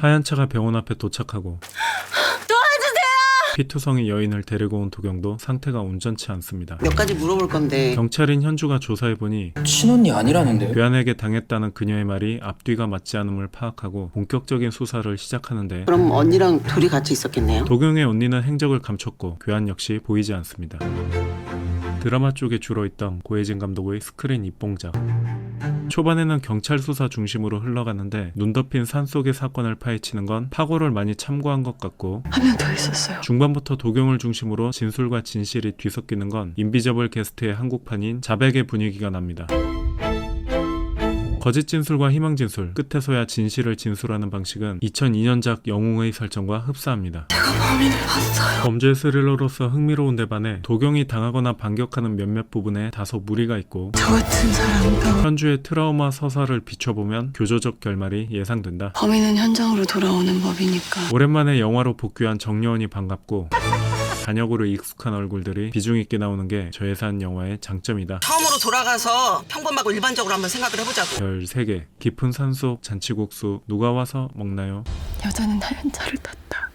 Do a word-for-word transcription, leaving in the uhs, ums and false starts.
하얀 차가 병원 앞에 도착하고 피투성이 여인을 데리고 온 도경도 상태가 온전치 않습니다. 몇 가지 물어볼 건데 경찰인 현주가 조사해보니 친언니 아니라는데요? 괴한에게 당했다는 그녀의 말이 앞뒤가 맞지 않음을 파악하고 본격적인 수사를 시작하는데 그럼 언니랑 둘이 같이 있었겠네요? 도경의 언니는 행적을 감췄고 괴한 역시 보이지 않습니다. 드라마 쪽에 주로 있던 고혜진 감독의 스크린 입봉작. 초반에는 경찰 수사 중심으로 흘러갔는데 눈 덮인 산속의 사건을 파헤치는 건 파고를 많이 참고한 것 같고 한 명 더 있었어요. 중반부터 도경을 중심으로 진술과 진실이 뒤섞이는 건 인비저블 게스트의 한국판인 자백의 분위기가 납니다. 거짓 진술과 희망 진술, 끝에서야 진실을 진술하는 방식은 이천이 년작 영웅의 설정과 흡사합니다. 제가 범인을 봤어요. 범죄 스릴러로서 흥미로운 데 반해 도경이 당하거나 반격하는 몇몇 부분에 다소 무리가 있고 저 같은 사람도 현주의 트라우마 서사를 비춰보면 교조적 결말이 예상된다. 범인은 현장으로 돌아오는 법이니까. 오랜만에 영화로 복귀한 정여원이 반갑고 단역으로 익숙한 얼굴들이 비중 있게 나오는 게 저예산 영화의 장점이다. 처음으로 돌아가서 평범하고 일반적으로 한번 생각을 해보자고. 별 세 개, 깊은 산속 잔치국수 누가 와서 먹나요? 여자는 하얀 차를 탔다.